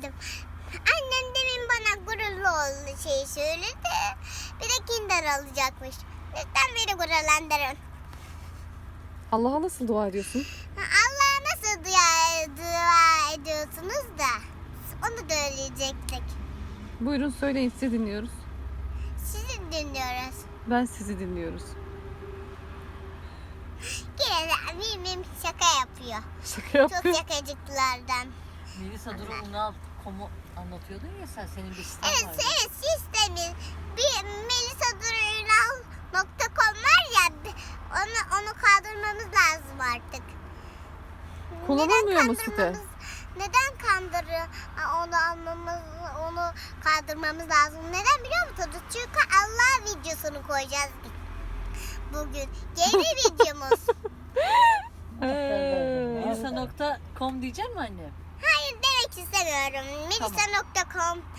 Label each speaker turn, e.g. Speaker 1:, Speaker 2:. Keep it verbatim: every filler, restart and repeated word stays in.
Speaker 1: istedim. Annem demin bana gururlu oldu şey söyledi. Bir de Kinder alacakmış. Lütfen beni gururlandırın.
Speaker 2: Allah'a nasıl dua ediyorsun?
Speaker 1: Allah'a nasıl dua, dua ediyorsunuz da onu da öğrenecektik.
Speaker 2: Buyurun söyleyin, sizi dinliyoruz.
Speaker 1: Sizi dinliyoruz.
Speaker 2: Ben sizi dinliyoruz.
Speaker 1: Gene mimim şaka yapıyor.
Speaker 2: Şaka yapıyor.
Speaker 1: Çok şakacıklardan.
Speaker 3: Melisa Duru Unal komu anlatıyordun ya sen, senin bir siten
Speaker 1: Evet,
Speaker 3: vardı.
Speaker 1: evet sistemin bir melisa durunal nokta com var ya onu onu kaldırmamız lazım artık.
Speaker 2: Kullanılmıyor mu
Speaker 1: Neden
Speaker 2: site?
Speaker 1: kandırmamız- Neden kandırı onu almamız onu kaldırmamız lazım? Neden biliyor musunuz? Çünkü Allah videosunu koyacağız bugün. Yeni videomuz.
Speaker 2: Ee,
Speaker 3: Melisa nokta com diyecek mi anne?
Speaker 1: Hayır demek istemiyorum. melisa nokta com